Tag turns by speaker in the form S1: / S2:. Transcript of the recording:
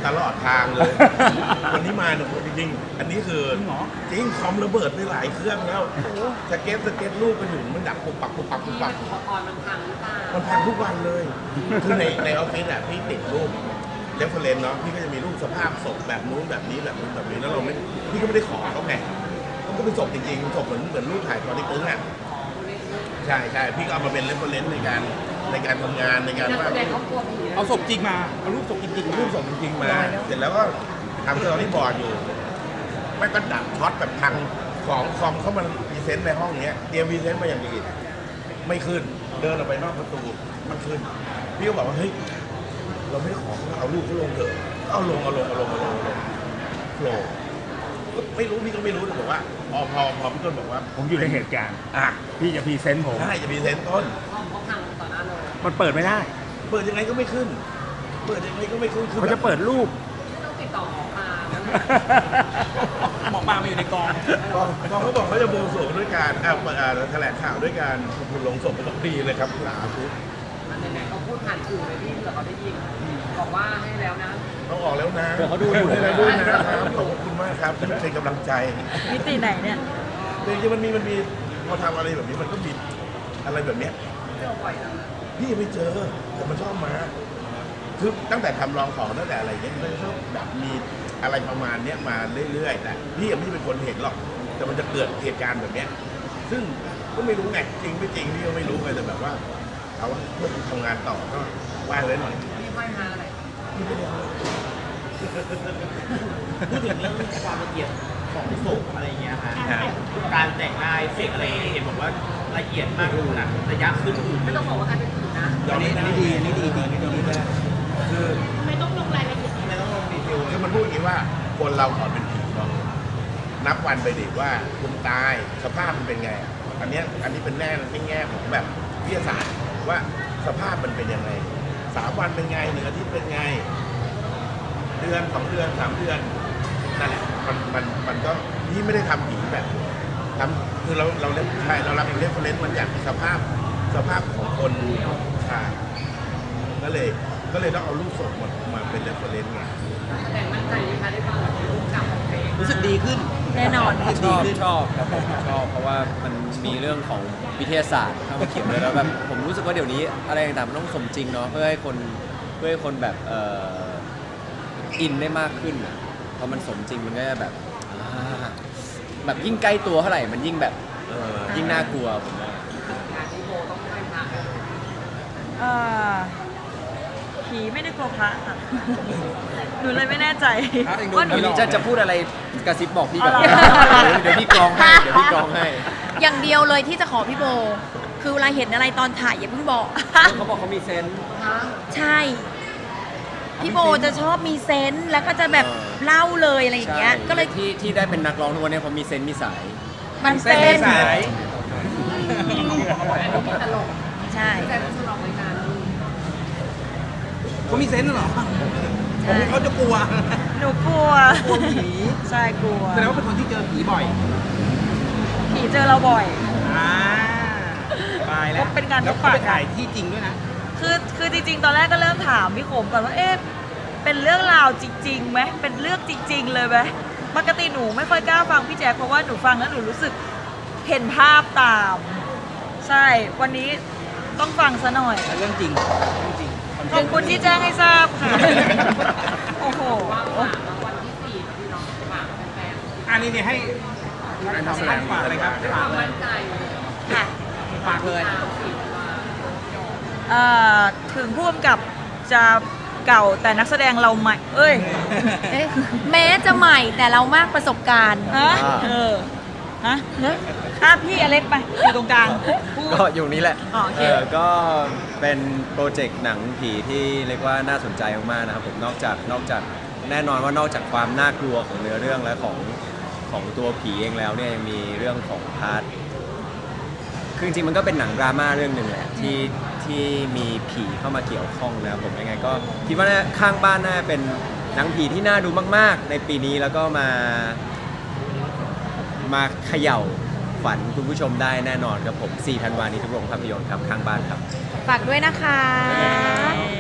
S1: ตลอดทางเลย วันนี้มาเนี่ยจริงๆอันนี้คือจริงคอมระเบิดไปหลายเครื่องแล้วสเก็ตรูปกันอยู่มันดับปุบปับปุบปับปุบปับ
S2: อุปกรณ์มันพังหรือเปล่า
S1: มันพังทุกวันเลยคือในออฟฟิศอ่ะพี่ติดรูปเรฟเฟอเรนซ์เนาะพี่ก็จะมีรูปสภาพศพแบบนู้นแบบนี้แบบนู้นแบบนี้แล้วเราไม่พี่ก็ไม่ได้ขอเขาไงมันก็เป็นศพจริงๆศพเหมือนรูปถ่ายตอนที่ตึ้งอ่ะใช่ใช่พี่ก็เอามาเป็นเรฟเฟอเรนซ์ในการทำงานในการ
S2: นัก
S1: ว่า
S2: แสดงเขากลัวผีนะ
S3: เอาศพจริงมาเอารูปศพจริงๆ
S1: รูปศพจริงๆมาเสร็จแล้วก็ทำสตอรี่บอร์ดอยู่ไม่ก็ดับช็อตแบบทางของคอมเข้ามาพรีเซนต์ในห้องเนี้ยเตรียมพรีเซนต์มาอย่างดีไม่ขึ้นเดินออกไปนอกประตูมันขึ้นพี่ก็บอกว่าเฮ้ยเราไม่ได้ขอเอารูปเขาลงเถอะเอาลงโฟล์ไม่รู้พี่ก็ไม่รู้แต่บอกว่าพอพี่ต้นบอกว่า
S3: ผมอยู่ในเหตุการณ์
S1: อ่ะ
S3: พี่จะพรีเซนต์ผม
S1: ใช่จะพรีเซนต์ต้น
S2: ห้องเขาพังต่อหน้าเลย
S3: มันเปิดไม่ได้
S1: เปิดยังไงก็ไม่ขึ้นคือ
S3: เขาจะเปิดรูป
S2: ต้องติดต่อหมอปลา
S4: หมอปลามาอยู่ในกอง
S1: พอเขาบอกเขาจะบวงสรวงด้วยการแถลงข่าวด้วยการทำบุญลงศพเป็นดีเลยครับสาธุ
S2: มันไหนๆเขาพูดผ่านสื่อเลยพี่เผื่อเขาได้ยินบอกว่าให้แล้วนะ
S1: ต้องออกแล้วนะ
S3: เดี๋ยวเขาดูอยู่
S1: ให้แล้วด้วยนะครับขอบคุณมากครับที่เป็นกำลังใจ
S5: มิติไหนเนี่ย
S1: จริงๆมันมีพอทำอะไรแบบนี้มันก็มีอะไรแบบเนี้ย
S2: เจอบ่อยแล้วนะ
S1: พี่ไม่เจอแต่มันชอบมาคือตั้งแต่ทำลองของตั้งแต่อะไรเงี้ยมันชอบแบบมีอะไรประมาณเนี้ยมาเรื่อยๆแต่พี่ยังไม่เป็นคนเห็นหรอกแต่มันจะเกิดเหตุการณ์แบบเนี้ยซึ่งก็ไม่รู้ไงจริงไม่จริงพี่ก็ไม่รู้ไงแต่แบบว่าเอาว่าเพื่อทำงานต่อก็ไหว้ไว้หน่อย
S2: พี่ห้อยมาอะไร
S1: พี่ไม่ได้เอา
S4: พูดถึงเรื่องความละเอียดของศพอะไรอย่างเงี้ยฮะการแต่งลายเฟกอะไรเห็นบอกว่าละเอียดมากขนาดระยะขึ้นอื่น
S2: ไม่ต้องบอกว่าใครเป็นผีนะ
S1: ยอมไม่ได้
S4: ดีอันนี้ดีจริงอันนี้ดีมาก
S1: คือ
S4: ไม่ต้องลงดีเทล
S1: คือมันพูดอย่างนี้ว่าคนเราก่อนเป็นผีเนาะนับวันไปดิว่าคุณตายสภาพมันเป็นไงอ่ะอันนี้เป็นแง่ของแบบวิทยาศาสตร์ว่าสภาพมันเป็นยังไง3 วันเป็นไง1 อาทิตย์เป็นไงเดือน2 เดือน3 เดือนนั่นแหละมันก็นี่ไม่ได้ทำผีแบบทำคือเราเล่นใช่เรารับเป็นเรฟเฟอเรนซ์มันจากสภาพของคนใช่ก็เลยต้องเอารูปศพมาเป็นเรฟเฟอเรนซ์ไง
S2: แสดงมั่นใจนะคะได้ฟังแบบรูปกลับของเพลง
S4: รู้สึกดีขึ้น
S5: แน่นอน
S6: ชอบครับผมชอบเพราะว่ามันมีเรื่องของวิทยาศาสตร์เข้ามาเกี่ยวด้วยแล้วแบบผมรู้สึกว่าเดี๋ยวนี้อะไรต่างๆมันต้องสมจริงเนาะเพื่อให้คนแบบอินได้มากขึ้นอะพอมันสมจริงมันก็จะแบบแบบยิ่งใกล้ตัวเท่าไหร่มันยิ่งแบบยิ่งน่ากลัวผมว่า
S2: งานที่โบต้องห้อยพระ
S5: เอ่อผีไม่ได้กลัวพระค่ะ หนูเลยไม่แน่ใจว่าหนู
S6: วันนี้จะพูดอะไรกระซิบบอกพี่ก่อน
S5: เอาเหรอ
S6: เดี๋ยวพี่กรองให้เดี๋ยวพี่กรองให้
S7: อย่างเดียวเลยที่จะขอพี่โบ คือเวลาเห็นอะไรตอนถ่ายอย่าเพิ่งบอก
S6: เขาบอกเขามีเซนส์
S2: ฮะ
S7: ใช่ พี่โบจะชอบมีเซนส์แล้วก็จะแบบเล่าเลยอะไรอย่างเงี้ย ก็เลย
S6: ที่ได้เป็นนักร้องทุกวันนี้เพราะมีเซนส์มีสาย
S7: มันเป็น
S4: สาย
S2: ตลก
S7: ใช่
S2: ใจมันสนองรายการ
S4: เขามีเซนส์เหรอ
S7: ใช่
S4: เขาจะกลัว
S5: หนูกลัว
S4: กลัวผี
S5: ใช่กลัว
S4: แสดงว่าเป็นคนที่เจอผีบ่อย
S5: ผีเจอเราบ่อย
S4: ตายแล้ว
S5: เป็นการ
S4: แล้ว
S5: พบ
S4: เขา
S5: ปะ
S4: ไปถ่ายที่จริงด้วยนะ
S5: คือจริงๆ ตอนแรกก็เริ่มถามพี่ขมก่อนว่าเอ๊ะเป็นเรื่องราวจริงๆไหมเป็นเรื่องจริง ๆ เลยไหมปกติหนูไม่ค่อยกล้าฟังพี่แจ๊คเพราะว่าหนูฟังแล้วหนูรู้สึกเห็นภาพตาม ใช่วันนี้ต้องฟังซะหน่อย
S4: เรื่องจริงเรื่องจริง
S5: ขอบคุณที่แจ้งให้ทราบค่ะ โอ้โห
S2: ว่างๆแล้ววันที่4กับพี่น้องฝากแฟน
S4: อันนี้เนี่ยให้ท่านฝากเลยครับ
S2: ๆความมั่นใจ
S5: ค่ะ
S4: ฝากเลย
S5: เอ่อถึงผู้กำกับจะเก่าแต่นักแสดงเราใหม่ เอ้ย
S7: เอ๊ะแม้จะใหม่แต่เรามากประสบการณ์
S5: ฮะฮะพี่อเล็กไปอยู่ตรงกลางพูด
S6: ก็อยู่นี้แหละ
S5: อ๋อโอเค
S6: ก็เป็นโปรเจกต์หนังผีที่เรียกว่าน่าสนใจมากๆนะครับผมนอกจากแน่นอนว่านอกจากความน่ากลัวของเนื้อเรื่องและของตัวผีเองแล้วเนี่ยยังมีเรื่องของพาร์ทคือจริงๆมันก็เป็นหนังดราม่าเรื่องหนึ่งแหละที่มีผีเข้ามาเกี่ยวข้องนะครับผมยังไงก็คิดว่าข้างบ้านน่าเป็นหนังผีที่น่าดูมากๆ ในปีนี้แล้วก็มาเขย่าขวัญคุณผู้ชมได้แน่นอนครับผม4 ธันวาคมนี้ทุกโรงภาพยนตร์ครับข้างบ้านครับ
S7: ฝากด้วยนะคะ